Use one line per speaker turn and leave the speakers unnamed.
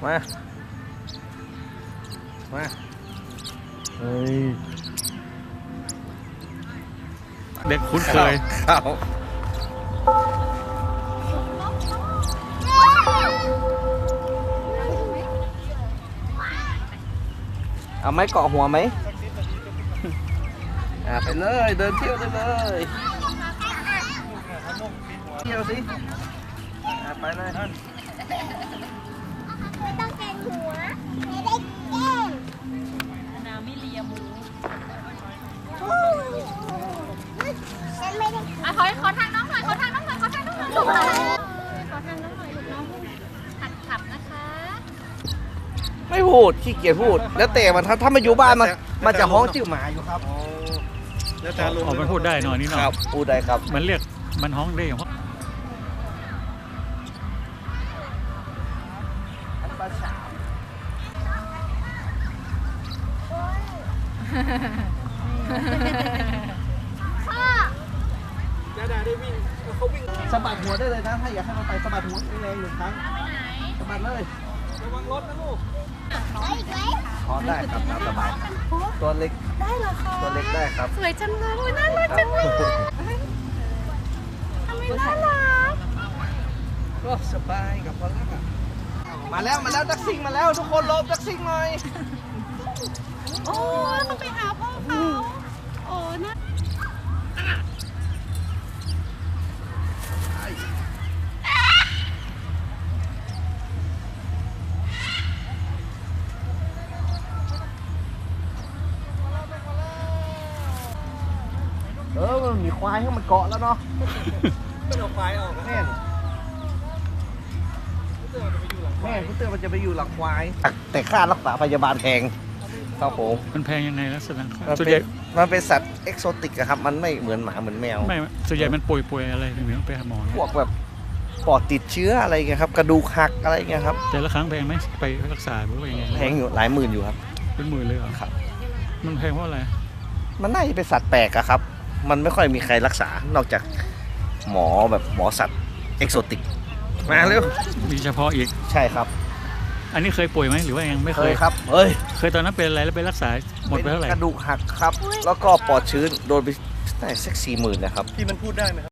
มาเฮ้ย
เด็กคุ้นเคย
ครับเอาไม้เกาะหัวไหมไปเลยเดินเที่ยวได้เลยเที่ยวสิไปเลย
ไม่ต้องแกงหัวไม่ได้แกง
นาไม่เลียหมู
ฉันไม่ได้
ขอทางน้องหน่อยขอทางน้องหน่อยลูกขอทางน้องหน่อยลูกน้องหัดขับนะคะ
ไม่พูดขี้เกียจพูดแล้วแต่มันถ้ามาอยู่บ้านมันจะฮ้องจิ้วหมาอยู่ครับ
แล้วแต่ลุงมันพูดได้หน่อยนี่เนาะ
ครับพูดได้ครับ
มันเรียกมันฮ้องได้เพราะ
สะบัดหัวได้เลยนะถ้าอยากให้มันไปสะบัดหัวแรงหนึ่งครั้งสะบัดเลยระวังรถนะลูกขอได้ครับตามสบายตัวเล็กได้เหรอคะตัวเล็กได้ครับ
สวยจังเลยน่ารักจังเลยทำไมน่ารัก
ก็สบายกับพอลักอะมาแล้วดักซิงมาแล้วทุกคนลบดักซิงหน่อย
โอ้เขาไปหาพ่อเขาโอ้น่า
มันมีควายให้มันเกาะแล้วเนาะไม่เอาควายออกแม่คุณเตือนมันจะไปอยู่หลังควายแต่ค่ารักษาพยาบาลแพงครับผม
มันแพงยังไงลักษณะ
ส่วนใหญ่มันเป็นสัตว์เอกโซติกครับมันไม่เหมือนหมาเหมือนแมว
ไม่ส่วนใหญ่มันป่วยอะไรถึงต้องไปหาหมอ
พวกแบบปอดติดเชื้ออะไรเงี้ยครับกระดูกหักอะไรเงี้ยครับ
แต่ละครั้งแพงไหมไปรักษาหรือว่ายังไง
แพงอยู่หลายหมื่นอยู่ครับ
เป็นหมื่นเลยเหรอ
ครับ
มันแพงเพราะอะไร
มันน่าจะเป็นสัตว์แปลกอะครับมันไม่ค่อยมีใครรักษานอกจากหมอแบบหมอสัตว์เอกโซติกมาเร็ว
มีเฉพาะอีก
ใช่ครับ
อันนี้เคยป่วยไหมหรือว่ายังไม่เคย
ครับ
เคยตอนนั้นเป็นอะไรแล้วไปรักษาหมดไปเท่าไหร่
กระดูกหักครับแล้วก็ปอดชื้นโดนไปได้สัก40,000นะครับ
ที่มันพูดได้ไหม